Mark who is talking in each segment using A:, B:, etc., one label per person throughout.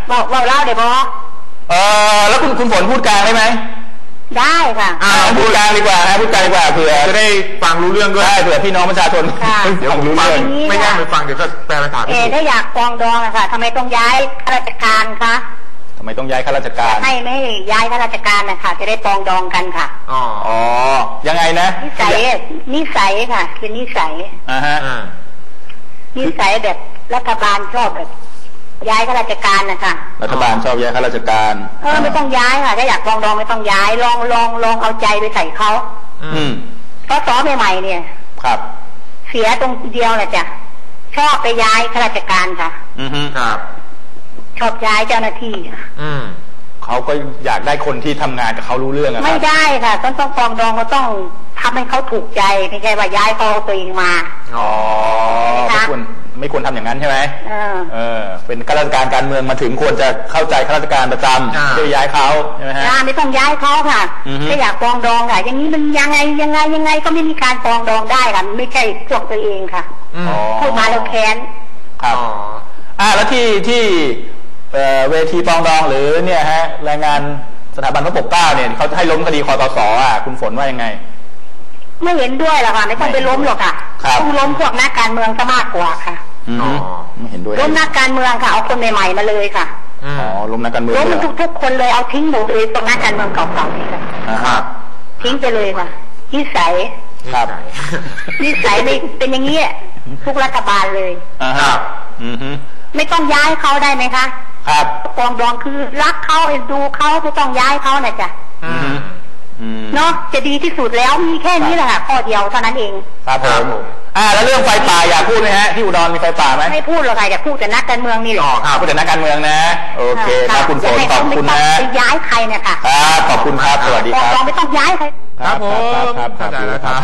A: บอกเล่าได้บอ
B: แล้วคุณฝนพูดกลางได้ไหม
A: ได้ค่ะ
B: พูดกลางดีกว่าพูดกลางดีกว่าเผื่อจะได้ฟังรู้เรื่องด้วยเผื่อพี่น้องประชาชนเดี๋ยวผมรู้เรื่องไม่ได้ไปฟังเดี๋ยวก็แปลภาษา
A: ถ้าอยากปองดองอะค่ะทำไมต้องย้ายข้าราชการคะ
B: ทำไมต้องย้ายข้าราชการ
A: ไม่ย้ายข้าราชการนะคะจะได้ปองดองกันค่ะ
B: อ๋อยังไงนะ
A: นิสัยค่ะคือนิสัยนิสัยแบบรัฐบาลชอบแบบย้ายข้าราชการนะคะ
B: รัฐบาลชอบย้ายข้าราชการ
A: ไม่ต้องย้ายค่ะถ้าอยากปองดองไม่ต้องย้ายลองเอาใจไปใส่เขาเพราะสอใหม่ๆเนี่ย
B: ครับ
A: เสียตรงเดียวแหละจ้ะชอบไปย้ายข้าราชการค่ะ
B: ครับ
A: ชอบย้ายเจ้าหน้าที่
B: เขาก็อยากได้คนที่ทำงานกับเขารู้เรื่อง
A: ไม่ได้ค่ะต้องปองดองก็ต้องทำให้เขาถูกใจไม่ใช่ว่าย้ายเขาตัวเองมา
B: ไม่ควรทำอย่างนั้นใช่ไหมเป็นข้าราชการการเมืองมาถึงควรจะเข้าใจข้าราชการประจำจะย้ายเขาใช่ไหมฮะ
A: ไม่ต้องย้ายเขาค่ะถ้าอยากปองดองค่ะอย่างนี้มันยังไงก็ไม่มีการปองดองได้ค่ะไม่ใช่พวกตัวเองค่ะพูดมาแล้วแค้น
B: ครับแล้วที่เวทีปองดองหรือเนี่ยฮะรายงานสถาบันพระปกเกล้าเนี่ยเขาให้ล้มคดีคตส.คุณฝนว่ายังไง
A: ไม่เห็นด้วยหรอกค่ะไม่ต้องไปล้มหรอกค่ะต้องล้มพวกนักการเมืองซะมากกว่าค่ะ
B: ไม่เห็นด้วย
A: ล้มนักการเมืองค่ะเอาคนใหม่ๆมาเลยค่ะ
B: ล้มนักการเมือง
A: ล้มทุกคนเลยเอาทิ้งหมดเลยตรงนักการเมืองเก่าๆนี่ค่ะทิ้งไปเลยค่ะนิสัย
B: ครับ
A: นิสัยเป็นอย่างนี้ทุกรัฐบาลเลย
B: ครับ
A: ไม่ต้องย้ายเขาได้ไหมคะ
B: ครับ
A: ปองดองคือรักเขาเอ็นดูเขาไม่ต้องย้ายเขานะจ๊ะเนาะจะดีที่สุดแล้วมีแค่นี้แหละค่ะข้อเดียวเท่านั้นเอง
B: ครับผมแล้วเรื่องไฟป่าอยากพูดไหมฮะที่อุดรมีไฟป่าไหม
A: ไม่พูดหรอกค่ะอยากพูดแต่นักการเมืองนี่แหละ
B: พูดแต่นักการเมืองนะโอเคครับคุณฝนขอบคุณนะ
A: ย้ายใครเนี่ยค่ะ
B: ครับขอบคุณครับสวัสดีครับ
A: ไม่ต้องย้ายใคร
B: ครับผมเข้าใจแล้วครับ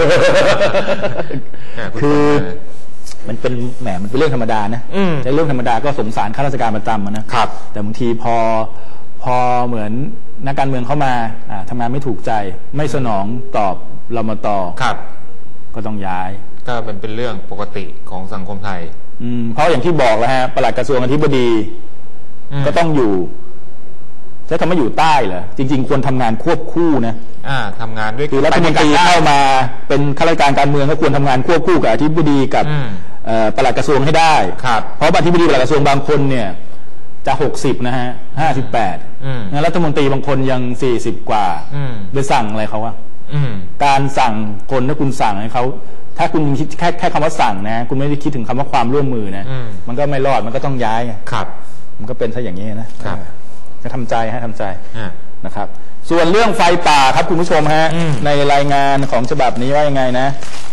B: คือมันเป็นมันเป็นเรื่องธรรมดานะในเรื่องธรรมดาก็สงสารข้าราชการประจำนะครับแต่บางทีพอเหมือนนักการเมืองเข้ามาทำงานไม่ถูกใจไม่สนองตอบเรามาต่อครับก็ต้องย้าย
C: ก็เป็นเรื่องปกติของสังคมไทย
B: เพราะอย่างที่บอกแล้วฮะปลัดกระทรวงอธิบดีก็ต้องอยู่ใช้คำว่าอยู่ใต้เหรอจริงๆควรทำงานควบคู่นะ
C: ทำงานด้วย
B: คือรัฐมนตรีเข้ามาเป็นข้าราชการการเมืองก็ควรทำงานควบคู่กับอธิบดีกับปลัดกระทรวงให้ได้เพราะอธิบดีปลัดกระทรวงบางคนเนี่ยจะ60นะฮะ58รัฐมนตรีบางคนยัง40กว่าไปสั่งอะไรเขาอะการสั่งคนถ้าคุณสั่งให้เขาถ้าคุณคิดแค่คำว่าสั่งนะคุณไม่ได้คิดถึงคำว่าความร่วมมือนะมันก็ไม่รอดมันก็ต้องย้าย
C: ครับ
B: มันก็เป็นซะอย่างนี้นะครับจะทำใจนะครับส่วนเรื่องไฟป่าครับคุณผู้ชมฮะในรายงานของฉบับนี้ว่ายังไงนะ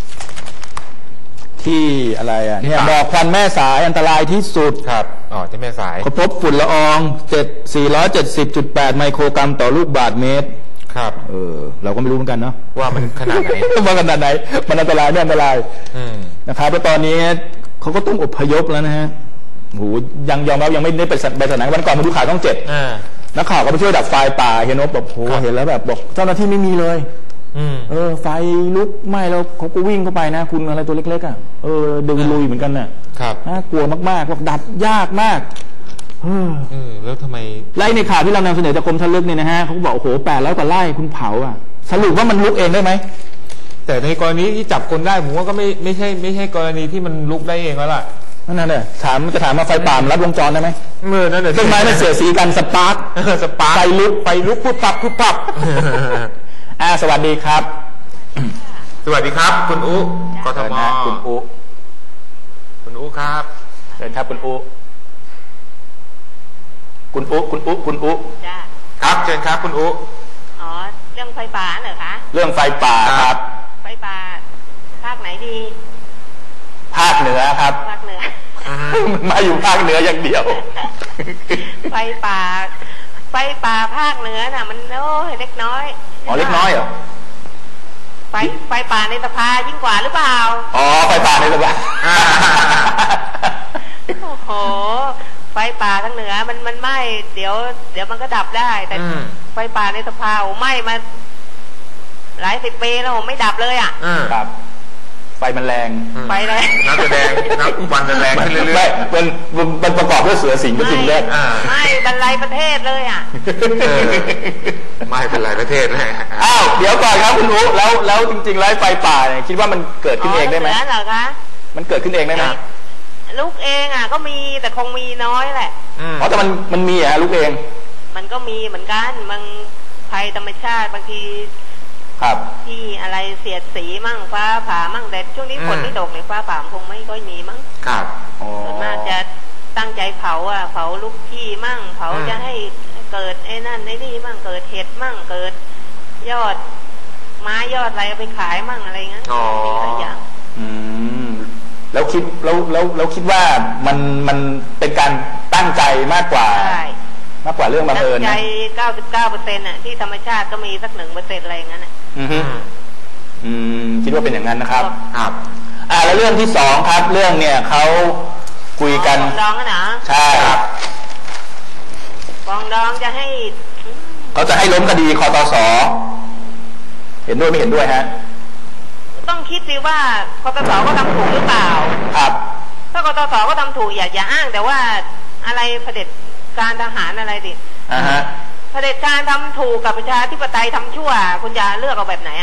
B: ที่อะไรเนี่ยหมอกควันแม่สายอันตรายที่สุด
C: ครับที่แม่สาย
B: พบฝุ่นละออง470.8 ไมโครกรัมต่อลูกบาศก์เมตร
C: ครับ
B: เราก็ไม่รู้เหมือนกันเนาะ
C: ว่ามันขนาดไหน
B: ว่าขนาดไหนมันอันตรายเนี่ยอันตรายนะครับแล้วตอนนี้เขาก็ต้องอพยพแล้วนะฮะโหยังยอมรับยังไม่ได้ไปสถานวันก่อนมาดูข่าวช่อง7นักข่าวก็ไปช่วยดับไฟป่าเห็นแบบโหเห็นแล้วแบบบอกเจ้าหน้าที่ไม่มีเลยไฟลุกไหม้แล้วเขาก็วิ่งเข้าไปนะคุณอะไรตัวเล็กๆดึงลุยเหมือนกันน่ะน่ากลัวมากๆบอกดับยากมาก
C: แล้วทำไม
B: ไล่ในข่าวที่เรานำเสนอจากกรมชลเนี่ยนะฮะเขาบอกโอ้โห800 กว่าไร่คุณเผาสรุปว่ามันลุกเองได้ไหม
C: แต่ในกรณีที่จับคนได้ผมว่าก็ไม่ใช่กรณีที่มันลุกได้เองแล้วล่ะ
B: นั่นแหละถามมาไฟป่ารัดวงจรได้ไหม
C: นั่นแหละ
B: ต้นไม้มันเสียสีกันสปาร์คไฟลุกพุบปับสวัสดีครับ
C: สวัสดีครับคุณอุกทม
B: คุณ
C: อุครับ
B: เชิญครับคุณอุ
C: ครับเชิญครับคุณอุ
A: เรื่องไฟป่าเหรอคะ
B: เรื่องไฟป่าครับ
A: ไฟป่าภาคไหนดี
B: ภาคเหนือครับ
A: ภาคเหนือ
B: มาอยู่ภาคเหนืออย่างเดียว
A: ไฟป่าภาคเหนือน่ะมันเล็กน้อย
B: เล็กน้อยเหรอ
A: ไฟป่าในสภายิ่งกว่าหรือเปล่า
B: ไฟป่าในสภา
A: โอ้โหไฟป่าทางเหนือมันไหม้เดี๋ยวมันก็ดับได้แต่ไฟป่าในสภาไหม้มาหลาย10 ปีแล้วไม่ดับเลย
B: ครับไฟมันแรง
A: ไฟแรง
C: นับจะแดงนับวันจะแรงขึ้นเรื่อย
B: ๆมันประกอบด้วยเสือสิงห์กับสิงห์แรก
A: ไม่บรรลัยประเทศเลยอ่ะ
C: ไม่เป็นไรประเทศเลย
B: อ้าวเดี๋ยวก่อนครับคุณอุ๊แล้วจริงๆแล้วไฟป่าเนี่ยคิดว่ามันเกิดขึ้นเองได้ไหม
A: เหรอคะ
B: มันเกิดขึ้นเองได้ไหม
A: ลูกเองอ่ะก็มีแต่คงมีน้อยแหละ
B: อ๋อแต่มันมีลูกเอง
A: มันก็มีเหมือนกันบางภัยธรรมชาติบางที
B: ครับ
A: ที่อะไรเสียดสีมั่งฟ้าผ่ามั่งแต่ช่วงนี้ฝนไม่ตกเลยฟ้าผ่าคงไม่ค่อยมีมั้ง
B: ครับ
A: ส่วนมากจะตั้งใจเผาเผาลูกที่มั่งเผาจะให้เกิดไอ้นั่นไอ้นี่มั่งเกิดเห็ดมั่งเกิดยอดไม้ยอดอะไรไปขายมั่งอะไรเงี้ยมีหลายอย่าง
B: แล้วคิดว่ามันเป็นการตั้งใจมากกว่าเรื่องบังเอิญ
A: ตั้งใจ 99% น่ะที่ธรรมชาติก็มีสัก 1% อะไรอย่างนั้นน่ะ
B: คิดว่าเป็นอย่างนั้นนะครับครับแล้วเรื่องที่2ครับเรื่องเนี่ยเขาคุยกัน
A: ปองดองนะ
B: ใช่ครับ
A: ปองดองจะให้
B: เขาจะให้ล้มคดีคตส.เห็นด้วยไม่เห็นด้วยฮะ
A: ต้องคิดสิว่าคตส.ก็ทำถูกหรือเปล่า
B: ครับ
A: ถ้ากตส.ก็ทำถูกอย่าอ้างแต่ว่าอะไรเผด็จการทหารอะไรดิเผด็จการทำถูกกับประชาธิปไตยทำชั่วคุณจะเลือกเอาแบบไหน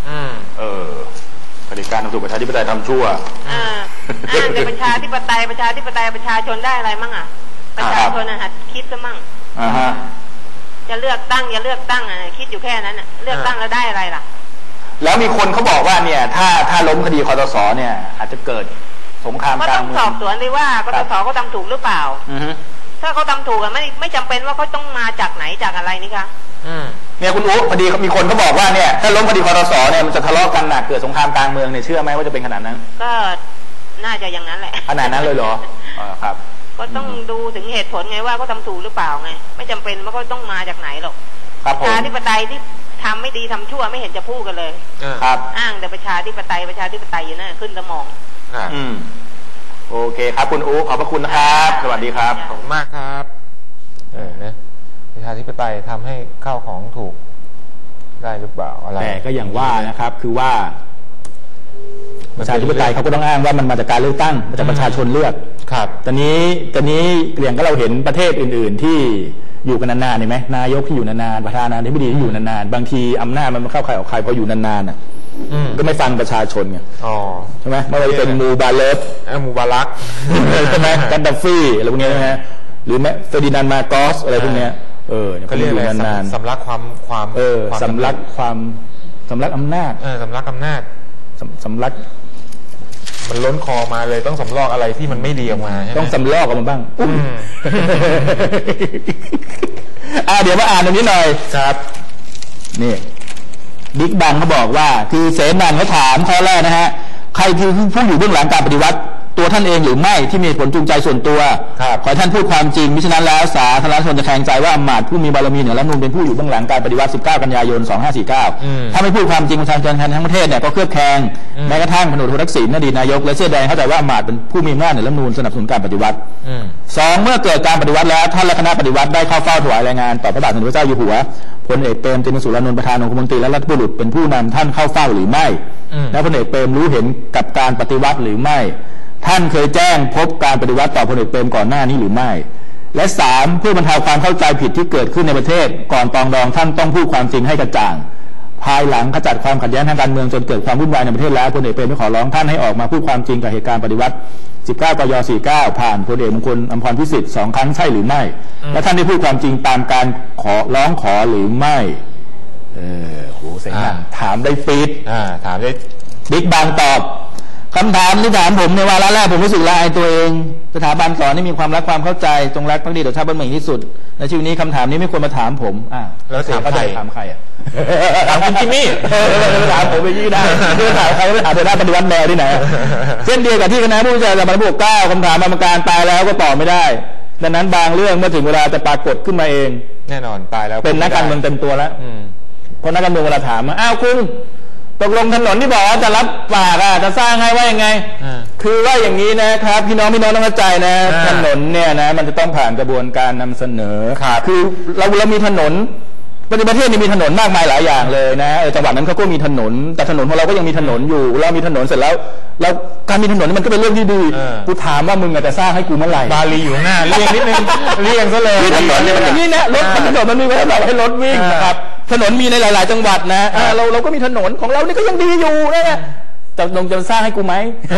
B: เผด็จการทำถูกประชาธิปไตยทำชั่ว
A: อ้างแต่ประชาธิปไตยประชาชนได้อะไรมั่งประชาชนหัดคิดซะมั่งจะเลือกตั้งอย่าเลือกตั้งคิดอยู่แค่นั้นเลือกตั้งแล้วได้อะไรล่ะ
B: แล้วมีคนเขาบอกว่าเนี่ยถ้าล้มคดีคตส.เนี่ยอาจจะเกิดสงครามกลางเมือง
A: ก็ต้องสอบสวนเลยว่ากตส.เขาทำถูกหรือเปล่าถ้าเขาทำถูกไม่จำเป็นว่าเขาต้องมาจากไหนจากอะไรนี่คะ
B: เนี่ยคุณอุ๊พอดีมีคนเขาบอกว่าเนี่ยถ้าล้มคดีคตส.เนี่ยมันจะทะเลาะกันหนักเกิดสงครามกลางเมืองเนี่ยเชื่อไหมว่าจะเป็นขนาดนั้น
A: ก็น่าจะอย่างนั้นแหละ
B: ขนาดนั้นเลยเหรอครับ
A: ก็ต้องดูถึงเหตุผลไงว่าเขาทำถูกหรือเปล่าไงไม่จำเป็นว่าเขาต้องมาจากไหนหรอกประชาธิปไตยที่ทำไม่ดีทำชั่วไม่เห็นจะพูดกันเลย
B: ครับ
A: อ้างแต่ประชาธิปไตยอยู่นั่นขึ้นสมอง
B: โอเคครับคุณอุ๊ขอบพระคุณนะครับสวัสดีครับ
C: ขอบคุณมากครับนะประชาธิปไตยทำให้ข้าวของถูกได้หรือเปล่าอะไร
B: แต่ก็อย่างว่านะครับคือว่าประชาธิปไตยเขาก็ต้องอ้างว่ามันมาจากการเลือกตั้งมาจากประชาชนเลือก
C: ครับ
B: ตอนนี้อย่างก็เราเห็นประเทศอื่นๆที่อยู่กันนานๆเห็นไหมนายกที่อยู่นานๆประธานาธิบดีที่อยู่นานๆบางทีอำนาจมันเข้าใครออกใครพออยู่นานๆก็ไม่ฟังประชาชนไงใช่ไหมไม่ว่าจะเป็นมูบาเลฟ
C: มูบารัก
B: ใช่ไหมกันดาฟีอะไรพวกนี้นะฮะหรือแม้เฟอร์ดินานด์มาโกสอะไรพวกนี้
C: เขาเรียกอะไรสำลักความ
B: สำลักอำนาจ
C: สำลักอำนาจ
B: สำลัก
C: มันล้นคอมาเลยต้องสำลอกอะไรที่มันไม่ดีออกมา
B: ต้องสำลอกออกมาบ้างเดี๋ยวมาอ่านตรงนี้หน่อย
C: ครับ
B: นี่บิ๊กบังเขาบอกว่าคือเสนาเขาถามข้อแรกนะฮะใครคือผู้อยู่เบื้องหลังการปฏิวัติตัวท่านเองหรือไม่ที่มีผลจูงใจส่วนตัวขอให้ท่านพูดความจริงมิฉะนั้นแล้วสาธารณชนจะแข่งใจว่าอำมาตย์ผู้มีบารมีเหนือรัฐธรรมนูญเป็นผู้อยู่เบื้องหลังการปฏิวัติ19 กันยายน 2549ถ้าไม่พูดความจริงประชาชนทั้งประเทศเนี่ยก็เครือบแคลงแม้กระทั่งพลเอกทักษิณอดีตนายกและเสื้อแดงเข้าใจว่าอำมาตย์เป็นผู้มีอำนาจเหนือรัฐธรรมนูญสนับสนุนการปฏิวัติ2เมื่อเกิดการปฏิวัติแล้วท่านและคณะปฏิวัติได้เข้าเฝ้าถวายรายงานต่อพระบาทสมเด็จพระเจ้าอยู่หัวพลเอกเปรมติณสุรานนท์ประธานองคมนตรีและรัฐบุรุษเป็นผู้นำท่านเข้าเฝ้าหรือไม่และพลเอกเปรมรู้เห็นกับการปฏิวัติหรือไม่ท่านเคยแจ้งพบการปฏิวัติต่อพลเอกเปรมก่อนหน้านี้หรือไม่และ3เพื่อบรรเทาความเข้าใจผิดที่เกิดขึ้นในประเทศก่อนปรองดองท่านต้องพูดความจริงให้กระจ่างภายหลังขจัดความขัดแย้งทางการเมืองจนเกิดความวุ่นวายในประเทศแล้วพลเอกเปรมได้ขอร้องท่านให้ออกมาพูดความจริงกับเหตุการณ์ปฏิวัติ19 กย. 49ผ่านพลเอกมงคลอำพรพิสิทธิ์2 ครั้งใช่หรือไม่และท่านได้พูดความจริงตามการร้องขอหรือไม่โหเสียงถามได้ฟีด
C: ถามได้
B: บิ๊กบางตอบคำถามที่ถามผมในวาระแรกผมรู้สึกละอายตัวเองสถาบันสอนให้มีความรักความเข้าใจจงรักภักดีต่อชาติบ้านเมืองที่สุดในชีวิตนี้คำถามนี้ไม่ควรมาถามผม
C: แล้วถามใคร
B: ถามใคร
C: ถามคุณจิมมี่
B: ถามผมไปยี่ได้ไม่ถามใครไม่ถามแต่หน้าปฏิวัติแมวที่ไหนเช่นเดียวกับที่คณะผู้วิจัยสถาบันพวก9คำถามกรรมการตายแล้วก็ตอบไม่ได้ดังนั้นบางเรื่องเมื่อถึงเวลาจะปรากฏขึ้นมาเอง
C: แน่นอนตายแล้ว
B: เป็นนักการเมืองเต็มตัวแล้วเพราะนักการเมืองเวลาถามอ้าวคุณตกลงถนนที่บอกว่าจะรับปากจะสร้างให้ว่ายังไงคือว่าอย่างนี้นะครับพี่น้องต้องเข้าใจนะถนนเนี่ยนะมันจะต้องผ่านกระบวนการนำเสนอคือเรามีถนนประเทศนี้มีถนนมากมายหลายอย่างเลยนะจังหวัดนั้นเขาก็มีถนนแต่ถนนของเราก็ยังมีถนนอยู่เรามีถนนเสร็จแล้วการมีถนนมันก็เป็นเรื่องที่ดีกูถามว่ามึงจะสร้างให้กูเมื่อไหร่
C: บาลีอยู่หน้าเรียงนิดนึงเรียงซะเลย
B: ถนนเนี่ยมันอย่างนี้นะรถถนนมันมีไว้สำหรับให้รถวิ่งนะครับถนนมีในหลายๆจังหวัดนะเราก็มีถนนของเรานี่ก็ยังดีอยู่นะจะสร้างให้กูไหม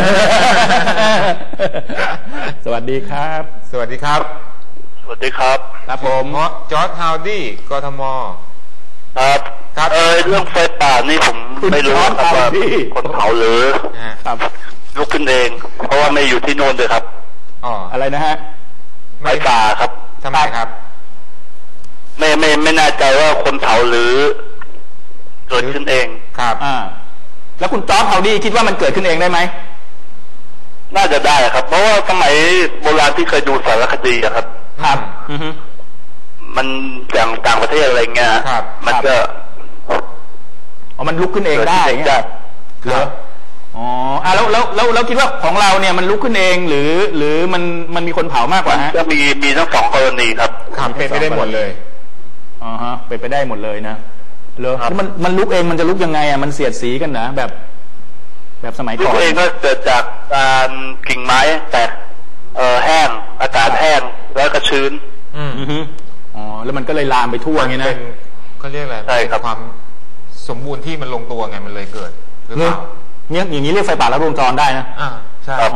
B: สวัสดีครับ
C: สวัสดีครับ
D: สวัสดีครับ
B: ครับผม
C: จอร์จฮาวดี้กทม
D: ครับครับเรื่องไฟป่านี่ผมไม่รู้ครับว่าคนเผาหรือ
B: ครับ
D: ลุกขึ้นเองเพราะว่าไม่อยู่ที่โน่นเลยครับ
B: อะไรนะฮะ
D: ไฟป่าครับ
C: ทำไมครับ
D: ไม่แน่ใจว่าคนเผาหรือเกิดขึ้นเอง
C: ครับ
B: แล้วคุณจอร์จฮาวดี้คิดว่ามันเกิดขึ้นเองได้ไหม
D: น่าจะได้ครับเพราะว่าสมัยโบราณที่เคยดูสารคดีครับ
B: ครับ
D: มันอย่างต่างประเทศอะไรเงี้ยมันก็
B: มันลุกขึ้นเองได้เงี้ยครับแล้วคิดว่าของเราเนี่ยมันลุกขึ้นเองหรือมันมีคนเผามากกว่าฮะ
D: ก็มีทั้งสองกรณีครับ
C: เป็นไปได้หมดเลย
B: เป็นไปได้หมดเลยนะแล้วมันลุกเองมันจะลุกยังไงมันเสียดสีกันนะแบบสมัยก่อน
D: ลุกเองก็เกิดจากการกิ่งไม้แตกแห้งอากาศแห้งแล้วก็ชื้น
B: แล้วมันก็เลยลามไปทั่วอย่างนี้นะ
C: เขาเรียกอะไร
D: ใช่ครับ
C: ความสมบูรณ์ที่มันลงตัวไงมันเลยเกิดหรือเปล่า
B: เนี่ยอย่างนี้เรียกไฟป่าลัดวงจรได้นะ
C: ใช่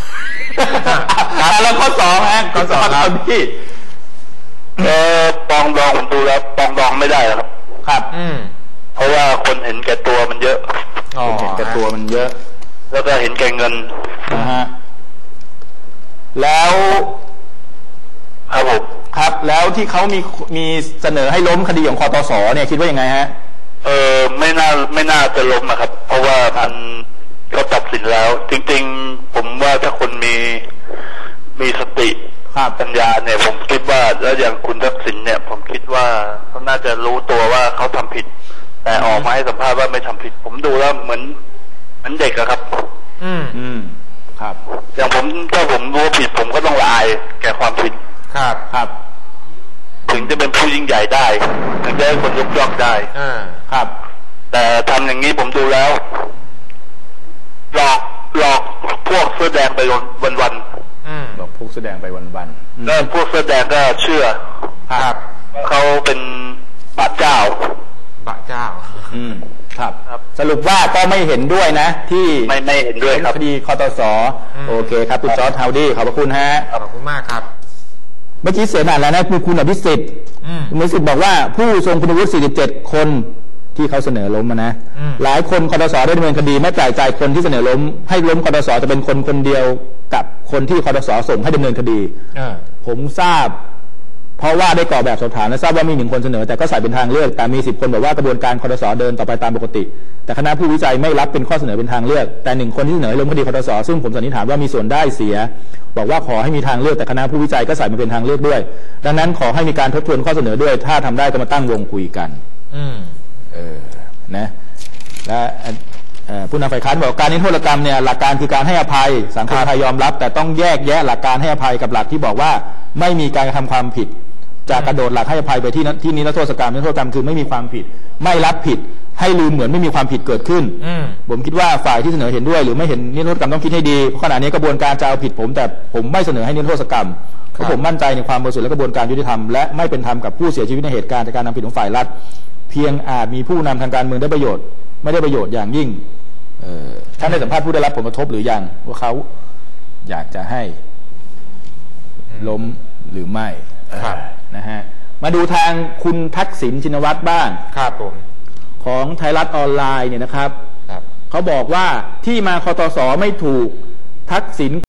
B: แล้วข้อสองฮะข้อสองครับพี่
D: ปองดองผมดูแล้วปองดองไม่ได้ครับ
B: ครับ
D: เพราะว่าคนเห็นแก่ตัวมันเยอะ
B: เห็นแก่ตัวมันเยอะ
D: แล้วก็เห็นแก่เงิน
B: นะฮะแล้ว
D: ครับผม
B: ครับแล้วที่เขามีเสนอให้ล้มคดีของคตส.เนี่ยคิดว่ายังไงฮะ
D: ไม่น่าจะล้มนะครับเพราะว่ามันก็ตัดสินแล้วจริงๆผมว่าถ้าคนมีสติปัญญาเนี่ยผมคิดว่าแล้วอย่างคุณทักษิณเนี่ยผมคิดว่าเขาน่าจะรู้ตัวว่าเขาทำผิดแต่ออกมาให้สัมภาษณ์ว่าไม่ทำผิดผมดูแล้วเหมือนเด็กอะครับ
B: ครับ
D: อย่างถ้าผมรู้ผิดผมก็ต้องละอายแก่ความผิด
B: ครับ
D: ถึงจะเป็นผู้ยิ่งใหญ่ได้ถึงจะให้คนยกย่องได้
B: ครับ
D: แต่ทำอย่างนี้ผมดูแล้วหลอกพวกเสื้อแดงไปวัน
B: หลอกพวกเสื้อแดงไปวัน
D: แล้วพวกเสื้อแดงก็เชื่อเขาเป็นบาปเจ้า
B: ครับสรุปว่าก็ไม่เห็นด้วยนะที่
D: ไม่เห็นด้วยครับ
B: คดีคตส.โอเคครับคุณจอร์จฮาวดี้ขอบพระคุณฮะ
C: ขอบคุณมากครับ
B: เมื่อกี้เสียหนาแล้วนะคุณอภิสิทธิ์คุณอภิสิทธิ์บอกว่าผู้ทรงคุณวุฒิ47คนที่เขาเสนอล้มนะหลายคนคตส.ได้ดำเนินคดีไม่แปลกใจคนที่เสนอล้มให้ล้มคตส.จะเป็นคนเดียวกับคนที่คตส.ส่งให้ดำเนินคดีผมทราบเพราะว่าได้กรอกแบบสอบถามและทราบว่ามี1 คนเสนอแต่ก็ใส่เป็นทางเลือกแต่มี10 คนบอกว่ากระบวนการคตส.เดินต่อไปตามปกติแต่คณะผู้วิจัยไม่รับเป็นข้อเสนอเป็นทางเลือกแต่1 คนที่เสนอให้ล้มคดีคตส.ซึ่งผมสันนิษฐานว่ามีส่วนได้เสียบอกว่าขอให้มีทางเลือกแต่คณะผู้วิจัยก็ใส่มาเป็นทางเลือกด้วยดังนั้นขอให้มีการทบทวนข้อเสนอด้วยถ้าทำได้ก็มาตั้งวงคุยกันนะและผู้นำฝ่ายค้านบอกการนิรโทษกรรมเนี่ยหลักการคือการให้อภัยสังคมไทยยอมรับแต่ต้องแยกแยะหลักการให้อภัยกับหลักที่บอกว่าไม่มีการกระทำความผิดจะกระโดดหลักให้อภัยไปที่นิรโทษกรรมนิรโทษกรรมคือไม่มีความผิดไม่รับผิดให้ลืมเหมือนไม่มีความผิดเกิดขึ้นผมคิดว่าฝ่ายที่เสนอเห็นด้วยหรือไม่เห็นนิรโทษกรรมต้องคิดให้ดีเพราะขณะนี้กระบวนการจะเอาผิดผมแต่ผมไม่เสนอให้นิรโทษกรรมเพราะผมมั่นใจในความบริสุทธิ์และกระบวนการยุติธรรมและไม่เป็นธรรมกับผู้เสียชีวิตในเหตุการณ์จากการนำผิดของฝ่ายรัฐเพียงอาจมีผู้นำทางการเมืองได้ประโยชน์ไม่ได้ประโยชน์อย่างยิ่งท่านได้สัมภาษณ์ผู้ได้รับผลกระทบหรือยังว่าเขาอยากจะให้ล้มหรือไม่นะฮะมาดูทางคุณทักษิณชินวัตรบ้าง
C: ครับผม
B: ของไทยรัฐออนไลน์เนี่ยนะครับเขาบอกว่าที่มาคตส.ไม่ถูกทักษิณ